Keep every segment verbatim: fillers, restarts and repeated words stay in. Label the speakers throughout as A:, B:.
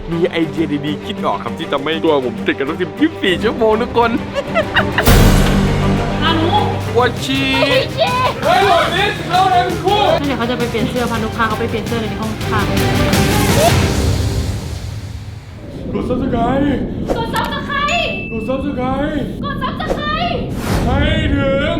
A: มีไอเดียดีๆคิดออกครับที่ทำให้ตัวผมติดกันตั้งสิบยี่สิบสี่ชั่วโมงทุกคน
B: พานุ
A: วัชีเฮ้ยหลอดนี้เข้าได้เป็นคู่
B: เดี๋ยวเขาจะไปเปลี่ยนเสื้อพานุพาเขาไปเปลี่ยนเสื้อในห้องข้าง
A: กดซับสไครต์
B: กดซับสไครต์
A: กดซับสไครต์
B: กดซับสไครต์
A: ให้ถึง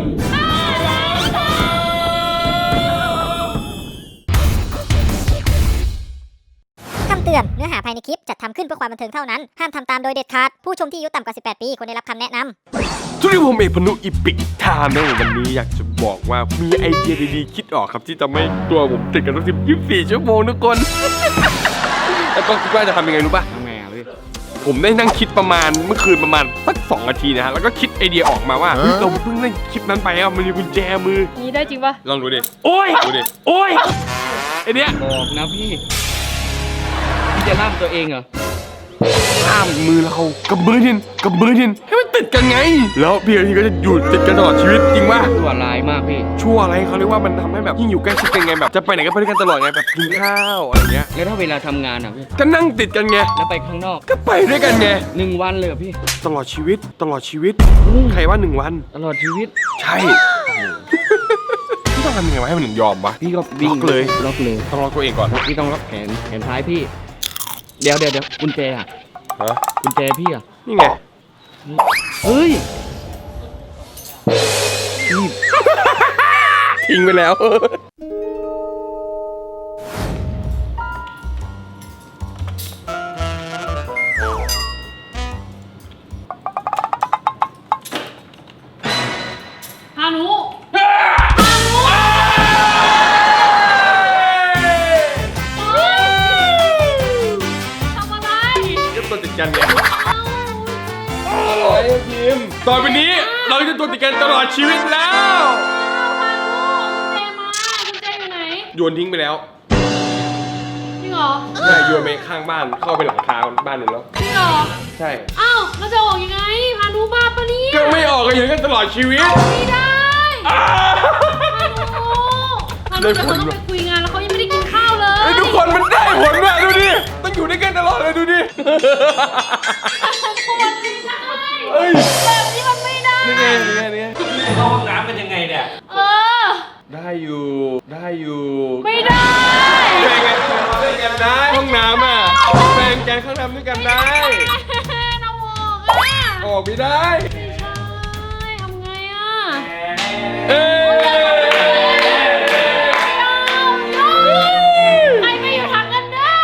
C: คำเตือนเนื้อหาภายในคลิปจัดทำขึ้นเพื่อความบันเทิงเท่านั้นห้ามทำตามโดยเด็ดขาดผู้ชมที่อายุต่ำกว่าสิบแปดปีควรได้รับคำแนะนำ
A: ทุกท่านผมเอกพนุอีปิกทานนะวันนี้อยากจะบอกว่ามีไอเดียดีๆคิดออกครับที่ทำให้ตัวผมติดกันตั้งสิบยี่สิบสี่ชั่วโมงทุกคนแล้วก็คิดว่าจะทำยังไงรู้ป่ะ
D: ทำไงอ่ะพี่
A: ผมได้นั่งคิดประมาณเมื่อคืนประมาณสักสองนาทีนะฮะแล้วก็คิดไอเดียออกมาว่าเราเพิ่งได้คลิปนั้นไปอ่ะมันมีกุญแจมือ
B: นี่ได้จริงปะ
A: ลองดูดิโอ้ยดูดิโอ้ยไอเนี้ย
D: บอกนะพี่พี่จะล่ามตัวเองเหรอ
A: ห้ามมือเรากับมือทินกับมือทินให้มันติดกันไงแล้วพี่อาทิตย์ก็จะอยู่ติดกันตลอดชีวิตจริงป่ะ
D: ชั่วร้ายมากพี่
A: ชั่วอะไรเขาเรียกว่ามันทำให้แบบยิ่งอยู่ใกล้ชิดกันไงแบบจะไปไหนก็ไปด้วยกันตลอดไงแบบกินข้าวอะไรเงี้ย
D: แล้วถ้าเวลาทำงานอ่ะพี่
A: ก็นั่งติดกันไง
D: แล้วไปข้างนอก
A: ก็ไปด้วยกันไง
D: หนึ่งวันเลยพี่
A: ตลอดชีวิตตลอดชีวิตใครว่าหนึ่งวัน
D: ตลอดชีวิต
A: ใช่พี่ต้องทำยังไงวะให้มันถึงยอมวะ
D: พี่ก็วิ่ง
A: เลย
D: ล็อกเลย
A: ต้องล็อกตัวเองก่อน
D: พี่ต้องล็อกแขนแขนท้ายพี่เดี๋ยวเดี๋ยวเดี๋ยวกุญแจอ่ะ
A: ฮะ
D: กุญแจพี่อ่ะ
A: นี่ไง
D: เฮ้ย
A: ทิ้งไปแล้ว
B: พานุ
A: ตัวติดกันเนี่ยอะไรพิมต่อไปนี้เราจะตัวติดกันตลอดชีวิตแล้ว
B: พานุกุญแจมากุญแจอยู่ไหน
A: โยนทิ้งไปแล้ว
B: จริงเหรอ
A: ใช่โยนไปข้างบ้านเข้าไปหลังคาบ้านนึงแล้ว
B: จริงเหรอ
A: ใช่
B: อ้าวแล้วจะออกยังไงพานุบ้าปะเนี่ย
A: ก็ไม่ออกกันอยู่กันตลอดชีวิต
B: ไม่ได้พานุพานุจะต้องไปคุยงานแล้วเขายังไม่ได้กินข้าวเลย
A: ทุกคนมันได้ผลว่ะดูดิต้องอยู่ด้วยกันตลอดเลยดูดิ
B: เฮ้ยแบบนี้มันไม่ได้
A: นี่ไงนี่ไงนี่ไง
D: เข้าห้องน้ำเป็นยังไงเนี่ย
B: เออ
A: ได้อยู่ได้อยู่
B: ไม่ได้
A: แบ่งกันด้วยกันได้ห้องน้ำอ่ะแบ่งกันข้างน้ำด้วยกันได้
B: น้ำออกอ่ะ
A: ออกไม่ได้
B: ใช่ทำไงอ่ะ
A: เอ้
B: ใครไม่อยู่ทางกันเด้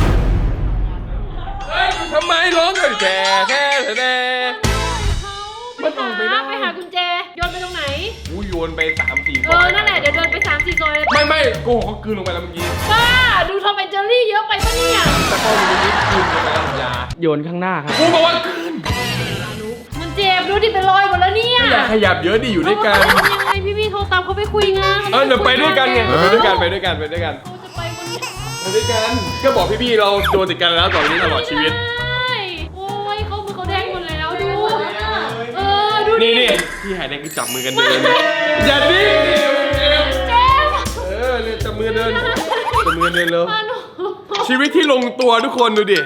B: อ
A: ทำไมร้องกันแค่แค่แค่
B: มันออกไปได้ไปหากุญแจโยนไปตรงไหน
A: กูโยนไปสามสี่
B: เออนั่นแหละเดี๋ยวเดินไปสามสี่ซอยเลย
A: ไม่ไม่โกหกเขาคืนลงไปแล้วเมื่อกี้
B: บ้าดูทอมแอนเจอรี่เยอะไปปะเนี่ย
A: แต่ก็มีนิดคืนลงไปแล้วยา
D: โยนข้างหน้าครับ
A: กูบอกว่าคืน
B: มันเจ็บดูดิเป็นรอยหมดแล้วเนี่ย
A: อย่าขยับเยอะดิอยู่ด้วยกัน
B: ยังไงพี่พี่โทรตามเขาไปคุยงาน
A: เออเดี๋ยวไปด้วยกันไงไปด้วยกันไปด้วยกันไปด้วยกัน
B: เขาจะไปวันนี้
A: ไปด้วยกันก็บอกพี่ๆเราโดนติดกันแล้วตอนนี้ตลอดชีวิต
B: โอ้ยเขามือเขาแดงหมดแล้วดูเออดู
A: นี่นี่พี่หายแดงคือจับมือกันเดินอย่าดิเออเนี่ยจับมือเดินจับมือเดินแล้วชีวิตที่ลงตัวทุกคนดูดิ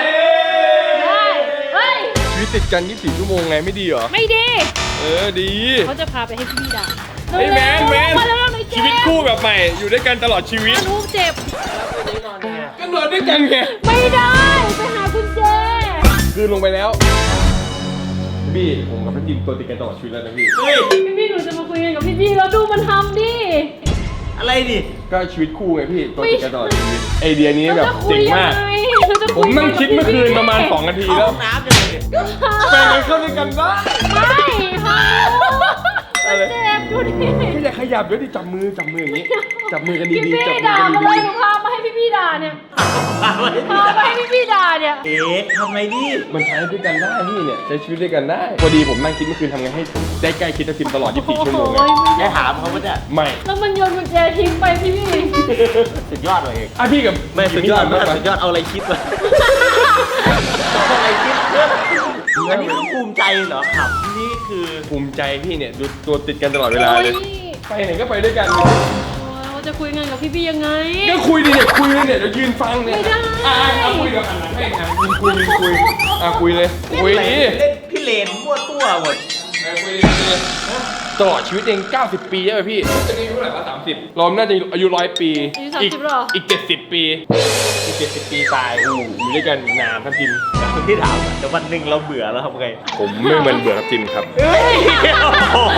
A: ชีวิตติดกันยี่สิบสี่ชั่วโมงไงไม่ดีเหรอ
B: ไม่ดี
A: เออดี
B: เขาจะพาไปให้พี่ด่า
A: ไอ้แมนแมนชีวิตคู่แบบใหม่อยู่ด้วยกันตลอดชีวิต
B: ลูกเจ็บ
A: ก็นอนด้วยกันไง
B: ไม่ได้ไปหากุญแจ
A: คืนลงไปแล้วพี่ผมกับพี่จิมตัวติดกันตลอดชีวิตแล้วนะพี่
B: เฮ้ยพี่หนูจะมาคุยกันกับพี่พี่แล้วดูมันทำดิ
D: อะไรดิ
A: ก็ชีวิตคู่ไงพี่ตัวติดกันตลอดชีวิตไอเดียนี้แบบเจ๋งมากผมนั่งคิดเมื่อคืนประมาณสองนาทีแล้ว
D: น้ำเลย
A: แฟนกันเข้าด้วยกันได้
B: ไม่ค่ะเจ็บดูดิ
A: ไม่อยากขยับเดี๋ยวดิจับมือจับมืออย่างนี้จับมือกันดีๆจับมือ
B: กันดีๆหนูพามาให้พี่พี่ด่าเนี่ยพามาให้พี่พี่ด่าเนี่ย
D: เอ๊ะทำไมดิ
A: มันใช้ด้วยกันได้พี่เนี่ยใช้ชีวิตด้วยกันได้พอดีผมนั่งคิดเมื่อคืนทำไงให้ได้ใกล้คิดกับทีมตลอดยี่สิบสี่ชั่วโมงไง
D: แกถามเขาว่าจะ
A: ไม่
B: แล้วมันโยนกุญแจทิ้งไปพี่พี่
D: สุดยอดเลยเอง
A: อ่ะพี่กับ
D: ไม่สุดยอดมากสุดยอดเอาอะไรคิดวะเอาอะไรคิดอันนี้ก็ภูมิใจเหรอครับนี่คือ
A: ภูมิใจพี่เนี่ยดูตัวติดกันตลอดเวลาเลยไปไหนก็ไปด้วยกัน
B: จะคุยงานกับพี่พี่ยังไง
A: ก็คุยดิเนี่ยคุยเลยเนี่ยเดี๋ยวยืนฟังเนี่ย
B: ไม่ได้
A: อ่ะเอาคุยเดี๋ยวหันหลังให้อ่ะยืนคุยยืนคุยอ่ะคุยเลยคุย
D: เล่
A: ดิ
D: นเล่นพี่เลนมั่วตัวหมด
A: อ่ะคุยดิคุยดิตลอดชีวิตเองเก้าสิบปีใช่ไหมพี่จะอายุเท่าไหร่วะสามสิบเราน่าจะอายุร้อยปี
B: อายุสามสิบหรอ
A: อีกเจ็ดสิบปีอีกเจ็ดสิบปีตายอู้อยู่ด้วยกันนานครับทีม
D: พี่ถามเดี๋ยววันหนึ่งเราเบื่อแล้วทำไง
A: ผมไม่เหมือนเบื่อครับทีมครับ
D: เฮ้ยโอ้โห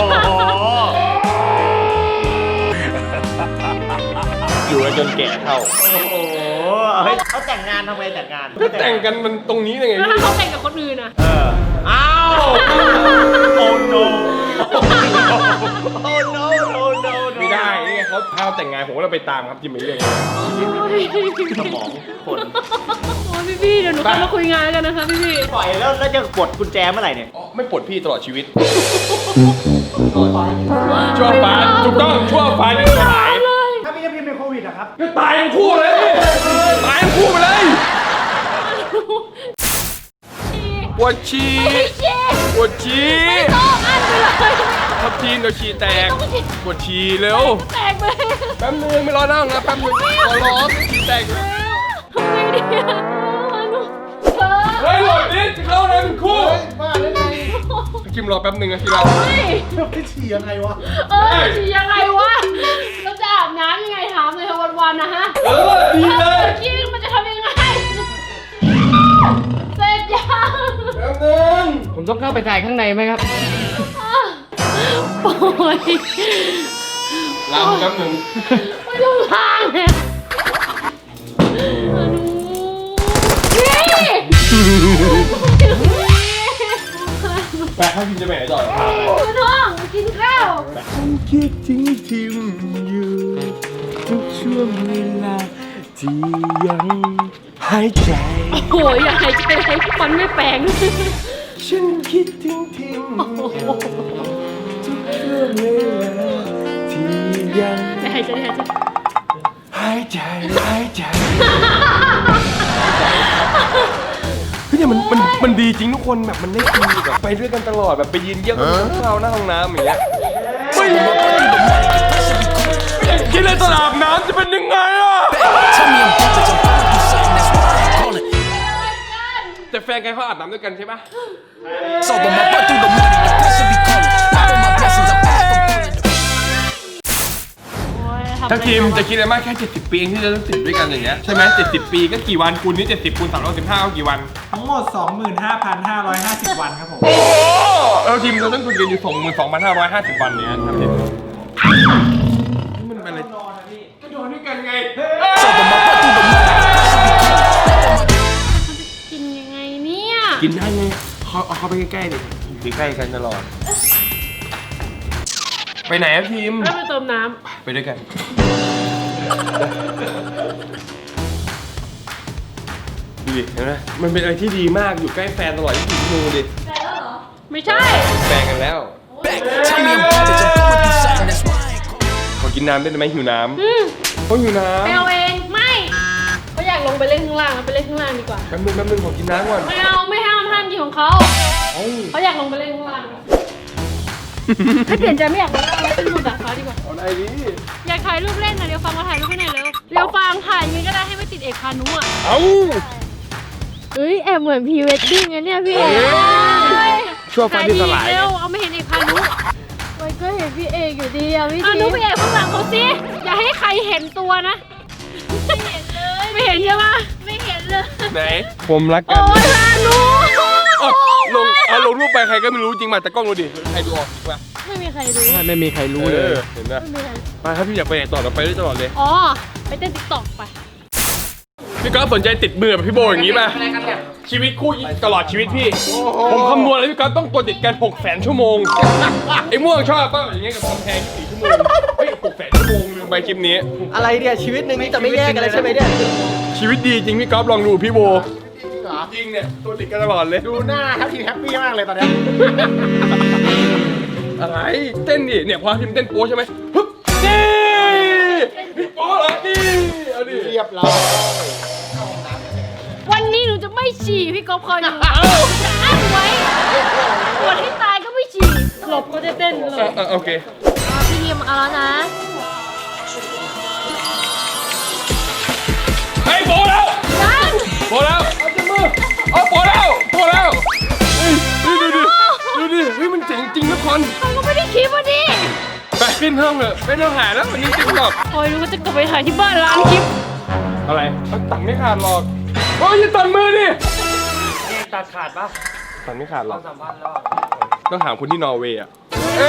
A: อยู่กันจนแก่เท่า
D: โอ้โหเฮ้ยเขาแต่งงานทำไงแต่งงาน
A: ก็แต่งกันมันตรงนี้เลยไง
B: แล้ว
A: พี่
B: ถ้าเขาแต่งกับคนอื่นอ่ะ
D: เอออ้าวโอ้โนโอ้โนโอ้โน
A: ไม่ได้นี่ไงเขาพาแต่งงานผมก็เราไปตามครับทีมไปเรื่อย
D: สมองคน
B: โอ้ยพี่พี่เดี๋ยวหนูเข้ามาคุยงานกันนะคะพี่พี่
D: ปล่อยแล้วแล้วจะกดกุญแจเมื่อไหร่เนี่ย
A: อ๋อไม่ปลดพี่ตลอดชีวิตชั่วฟ้าถูกต้องชั่วฟ้าที่สลาย
E: ถ้าพี่จะพิมพ์เป็นโควิดอะครับ
A: ก็ตายทั้งคู่เลยตายทั้งคู่ไปเลยปวดฉี่
B: ไม่ใช่
A: ปวดฉี่
B: ไม่ต้องอันไปเลย
A: ทับทีนเดี๋ยวฉี่แตกปวดฉี่เร็ว
B: แตกไป
A: แป๊บนึงไม่รอนั่งนะแป๊บนึงขอร้องฉี่แตกเลย
B: ทำไงดีอะหนูเธอ
A: เฮ้ยหลบดิจะเข้าเลยเป็นคู่
E: บ้าได้ไง
A: คิมรอแป๊บนึงนะทีละ
B: เฮ้ย
E: พี่ฉี่ยังไงวะ
B: เออฉี่ยังไงวะเราจะอาบน้ำยังไงถามเลยค่ะวันๆนะฮะ
A: เออดีเลย
B: ขี้มันจะทำยังไงเสร็จยัง
A: แป๊บนึง
E: ผมต้องเข้าไปถ่ายข้างในไหมครับ
B: โอ้ย
A: ลาแป๊บนึง
B: ไม่ต้องทางเลยอนุนี่
A: แปะให้พิมจะไปไหนต่อ
B: คุณน้องกินข้าว
A: คิดถึงทิมอยู่ทุกช่วงเวลาที่ยังหายใจ
B: โอ้ยอยากหายใจให้ฟันไม่แปลง
A: ฉันคิดถึงทิมอยู่ทุกช่วงเวลาที่ยัง
B: ไม่หายใจหายใจ
A: หายใจหายใจเฮ้ยเนี่ยมันมันมันดีจริงทุกคนแบบมันได้คุยแบบไปด้วยกันตลอดแบบไปยืนเยี่ยมกันข้าวหน้าห้องน้ำอย่างเงี้ยไม่คิดเลยตลาดน้ำจะเป็นยังไงอ่ะ
F: Tell me I'm vintage, I'm going through something, that's why I ain't calling.
A: แต่แฟนกันเขาอาบน้ำด้วยกันใช่ปะ
F: So when my butt through the money, the pressure be calling. All of my blessings, I'm back, I'm pulling.
B: โอ้ยทำ
A: ทั้งทีมจะคิดอะไรมากแค่เจ็ดสิบปีเองที่จะต้องติดด้วยกันอย่างเงี้ยใช่ไหมเจ็ดสิบปีก็กี่วันคูณนี่เจ็ดสิบคูณสามร้อยสิบห้าก็กี่วัน
E: ทั้งหมด สองหมื่นห้าพันห้าร้อยห้าสิบ วันครับผม
A: โอ้แล้วทีมเราต้องคุยกันอยู่สองหมื่นสองพันห้าร้อยห้าสิบวันเนี่ยครับทีมมันเป็นอะไรก็นอนด้วยกันไง
F: So when my butt through the money, the pressure be calling.
B: กินยังไงเนี่ย
A: กินได้ไงเขาเอาเขาไปใกล้ๆดิอยู่ใกล้ๆกันตลอดไปไหนครับทีม
B: แล้วไปเติมน้
A: ไปด้วยกันดูดิเห็นไหมมันเป็นอะไรที่ดีมากอยู่ใกล้แฟนตลอดยี่สิบสี่ชั่วโมงดิ
B: ำไม่ใช่
A: แฟนกันแล้ว
F: Back, tell me I'm vintage, I'm going through something, that's why I ain't calling.
A: ขอกินน้ำได้ไหมหิวน้
B: อืม
A: ำเขาหิวน้
B: ไปเอาเองไม่เขาอยากลงไปเล่นข้างล่างไปเล่นข้างล่างดีกว่า
A: ำแป๊บนึงแป๊บนึงขอกินน้ำก่อน
B: ไม่เอาไม่ห้ามห้ามกินของเขา
A: เอ้า
B: เขาอยากลงไปเล่นข้างล่างถ้าเปลี่ยนใจไม่อยากลงล่างขึ้นบนดาดฟ้าดีกว่า
A: เอาไหนดิ
B: อยากถ่ายรูปเล่นนะเดี๋ยวฟังมาถ่ายรูปให้หน่อยเร็วเดี๋ยวฟังถ่ายยังไงก็ได้ให้ไม่ติดเอกพานุอ่ะ
A: เอ้า
B: เอ้ยแอบเหมือนพรีเวดดิ้งไงเนี่ยพี่เอก
A: ชั่วฟ้าที่สลาย
B: เร็วเอาไม่เห็นเอกพานุ
G: มันก็เห็นพี่เอกอยู่ดีอะพี่
B: พานุ
G: ที
B: ไปแอบข้างหลังเขาสิอย่าให้ใครเห็นตัวนะ
G: ไม่เห็นเลย
B: ไม่เห็นใช่ไหม
G: ไม่เห็นเลย
A: ไหนผมรักกั
B: โอ้
A: น
B: ยพานุ
A: เอาลงเอาลงรูปไปใครก็ไม่รู้จริงมาแต่กล้องดูดิใครดูออกจริงป่ะ
G: ไม่มีใครรู้
E: ไม่มีใครรู้เลย
A: ออเห็นไหม
G: ไม่มีใคร
A: มาถ้าพี่อยากไปไหนต่อเราไปได้ตลอดเลย
B: อ๋อไปเต้นติ๊กต็อกไป
A: พี่ก๊อฟสนใจติดมือแบบพี่โบอย่างนี้ป่ะชีวิตคู่ตลอดชีวิตพี่ ผมคำนวณแล้วพี่ก๊อฟต้องตัวติดกันหกแสนชั่วโมงไอ้ม่วงชอบป่ะอย่างเงี้ยกับกำแพงสี่ชั่วโมงเฮ้ยหกแสนชั่วโมงลืมไปคลิปนี้
D: อะไรเนี่ยชีวิตหนึ่งนี่จะไม่แยกกันเลยใช่ไหมเนี่ย
A: ชีวิตดีจริงพี่ก๊อฟลองดูพี่โบจริงเนี่ยตัวติดกันตลอดเลย
E: ดูหน้าครับทีแฮปปี้มากเลยตอนเนี้ย
A: อะไรเต้นดิเนี่ยพอทีมเต้นโป๊ใช่ไหมฮึบนี่พี่โป๊เหรอนี่เอาดิ
E: เรียบร้อย
B: วันนี้หนูจะไม่ฉี่พี่ก๊อฟคอยดูจะอั้นไว้ปวดให้ตายก็ไม่ฉี่หลบก็จะเต้นหล
A: เออบ เออโอเค
G: พี่ทีมเอาแล้วนะ
A: เพิ่มเลยไม่ต้องหาแล้ววันนี้ติ๊กต็อก
B: โอ้ยรู้ว่าจะกลับไปถ่ายที่บ้านร้านคลิป
A: อะไรตัดไม่ขาดหรอกโอ้ยอย่าตัดมือดิ
D: นี่ตัดขาดปะ
A: ตัดไม่ขาดหรอก
D: สัมพันธ์แล้ว
A: ต้องถามคนที่นอร์เวย์อะ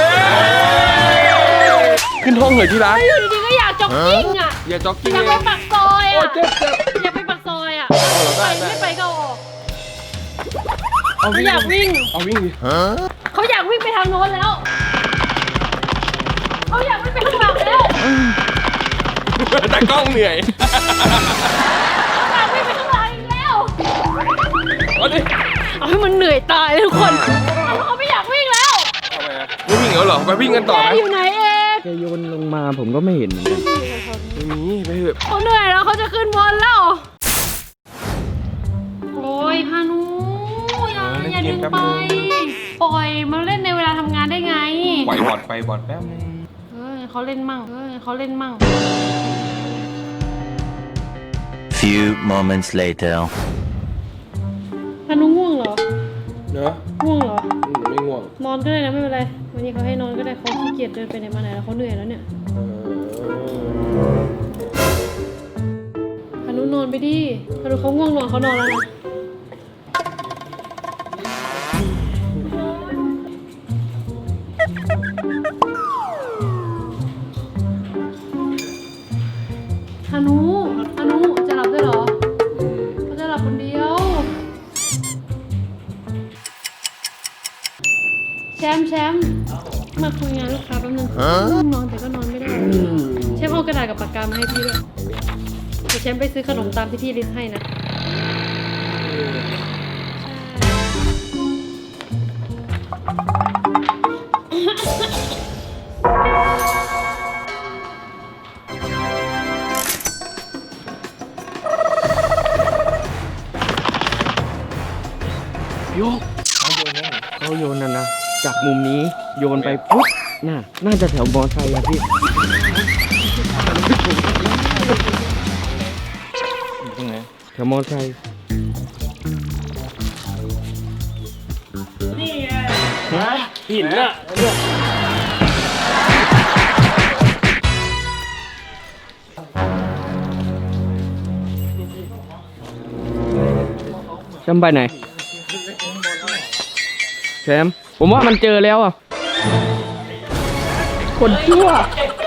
A: ขึ้นห้องเหรอที่รัก
B: อยู่ดีๆก็อยากจ็อกกิ้งอ่ะ
A: อย่าจ็อกกิ้ง
B: อยาก
A: เล
B: ไป
A: ย
B: ปากซอย
A: โอ้
B: อ่ะ
A: เจ็บเจ็บ
B: อยากไปปากซอยอ่ะ
A: ได้
B: ไป
A: ได้
B: ไม่ไปก็เอาออก
A: เอา
B: เขา
A: วิ่ง
B: อยากวิ่ง
A: เอาวิ่งดิ
B: เขาอยากวิ่งไปทางโน้นแล้วเขาอยากวิ่งไปข้างหลังแล้ว
A: แต่กล้องเหนื่อย
B: อยากวิ่งไปข้างหลังอีกแล้ว
A: เอาดิ
B: เอาให้มันเหนื่อยตายเลยทุกคนเขาไม่อยากวิ่งแล้ว
A: เอาไปอะไม่วิ่งแล้วเหรอไปวิ่งกันต่อ
B: แก
A: ไหม
B: อยู่ไหนเอง
E: แกโยนลงมาผมก็ไม่เห็นเหมือนกัน
A: ไม่มีไปเถอะ
B: เขาเหนื่อยแล้วเขาจะขึ้นบนแล้วโอ้ยพานุอย่าอย่าดึงไปปล่อยมาเล่นในเวลาทำงานได้ไง
A: ปล่อยบอดไปบอดแป๊บนึง
B: เออเขาเล่นมั่งเออเขาเล่นมั่ง
H: Few moments later.
B: พานุง่วงเหรอ
A: เนอะ
B: ง่วงเหรอ
A: อืมไม่ง่วง
B: นอนก็ได้นะไม่เป็นไร วันนี้เขาให้นอนก็ได้เขาขี้เกียจเดินไปไหนมาไหนแล้วเขาเหนื่อยแล้วเนี่ย
A: เออ
B: พานุนอนไปดิพานุเขาง่วงนอนเขานอนแล้วนะพานุพานุจะหลับด้วยเหรอเขาจะหลับคนเดียว แชมป์แชมป์มาคุยงานลูกค้าแป๊บนึงง่วงนอนแต่ก็นอนไม่ได้แชมป์เอากระดาษกับปากกามาให้พี่ด้วยเดี๋ยวแชมป์ไปซื้อขนมตามที่พี่ลิสต์ให้นะ
E: โยกเขาโยนนะเขาโยนนะนะจากมุมนี้โยนไปปุ๊บน่าน่าจะแถวมอไซค์อะพี่ตรงไหนแถวมอไซค์
A: หินน่ะ
E: แชมป์ไปไหนแชมป์ผมว่ามันเจอแล้วอ่ะคนชั่ว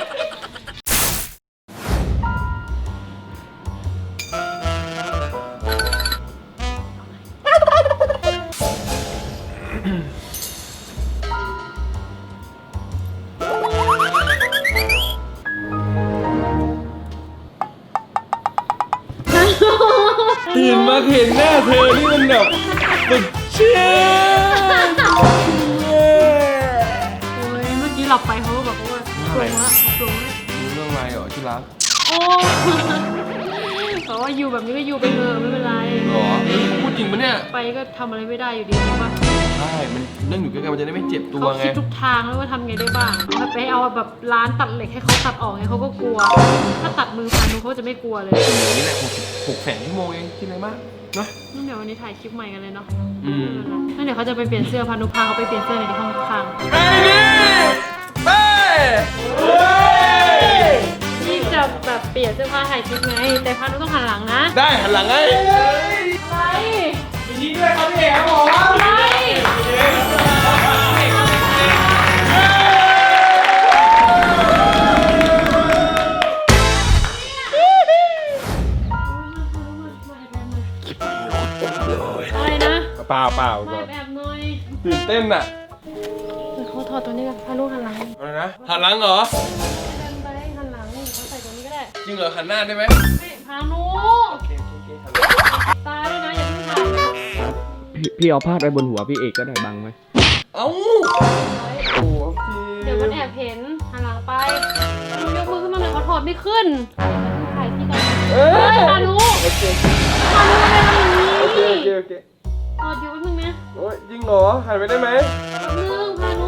A: ตื่นมาเห็นหน้าเธอนี่มันแบบสุดเชื่อ
B: โอ้ยเมื่อกี้หลับไปเขาก็บอกว่าปรุงละปรุงละ
A: รู้เรื่องอะไรเหรอที่รัก
B: โอ้แต่ว่าอยู่แบบนี้ก็อยู่ไปเถอะไม่เป็นไร
A: หรอพูดจริงปะเนี่ย
B: ไปก็ทำอะไรไม่ได้อยู่ดีใช่ปะ
A: ใช่มันนั่งอยู่ใกล้ๆมันจะได้ไม่เจ็บตัว
B: เขา
A: ไง
B: คิดทุกทางแล้วว่าทำไงได้บ้างเอาไปเอาแบบร้านตัดเหล็กให้เขาตัดออกไงเขาก็กลัว ถ้าตัดมือพานุเขาจะไม่กลัวเลย
A: อย่างนี้แหละหกหกแสนชั่วโมงเองคิดอะไรมากเนาะ
B: งั้นเดี๋ยววันนี้ถ่ายคลิปใหม่กันเลยเนาะ
A: อืม
B: งั้นเดี๋ยวเขาจะไปเปลี่ยนเสื้อพานุพาเขาไปเปลี่ยนเสื้อในห้องข้าง
A: ไอ้นี่ไปเฮ้ย
B: ที่จะแบบเปลี่ยนเสื้อผ้าถ่ายคลิปไง แต่พานุต้องหันหลังนะ
A: ได้หันหลังไง
B: อะไร
A: ยินดีด้วยครับพี่เอ๋ครับผม
B: อะไรอะไรนะ
A: เปล่าเปล่า
B: มาแบบหน่อย
A: ตื่นเต้นอ่ะ
B: เดี๋ยวเขาถอดตัวนี้กันพานุหันหลัง
A: อะไรนะหันหลังเหรอ
B: เดินไปหันหลังเขาใส่ตัวนี้ก็ได้
A: จริงเหรอหันหน้าได้ไหม
B: ไม่พานุตาด้วยนะอย่าเพิ่งถ่ายนะ
E: พี่พี่เอาพาดไว้บนหัวพี่เอกก็ได้บังไหม
A: เอ้าโอ้พี่
B: เดี๋ยวมันแอบเห็นหันหลังไปยกมือขึ้นมาหน่อยเขาถอดไม่ขึ้นถ่ายที่ก่อน
A: เอ้ย
B: พานุ
A: โอเค
B: พานุทำไมทำอย่างนี้
A: โอเคโอเคโอเค
B: ถอดอยู่แป๊บนึงนะ
A: โอ้ยจริงเหรอหันไปได้ไหม
B: แป๊บนึงพานุ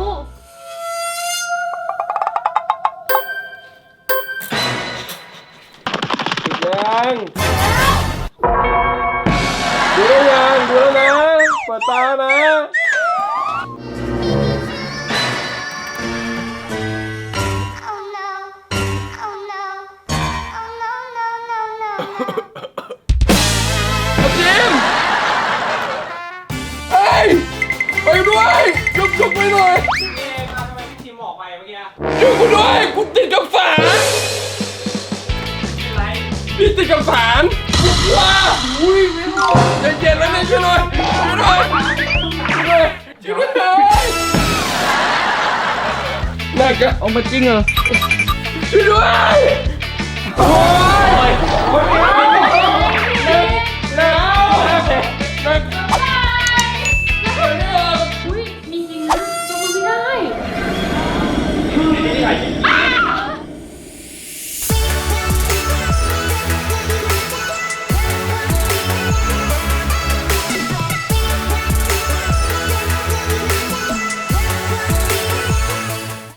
A: ยังดูได้ยังดูแล้วนะเปิดตานะยวด้วยชุบชุบไปหน่อย
D: พี่เอมาทำไมพี่ทีมออกไปเมื่อกี้
A: ช่วยกูด้วยกูติดกับฝา
D: อะไร
A: พี่ติดกับฝานว้าอุ้ยไม่รู้ใจเย็นแล้วเนี่ยช่วยหน่อยช่วยหน่อยช่วยหน่อยช่วยหน่อยน่ากะ
E: เอามาจริงเหรอ
A: ช่วยด้วยโอ้ยโอ้ย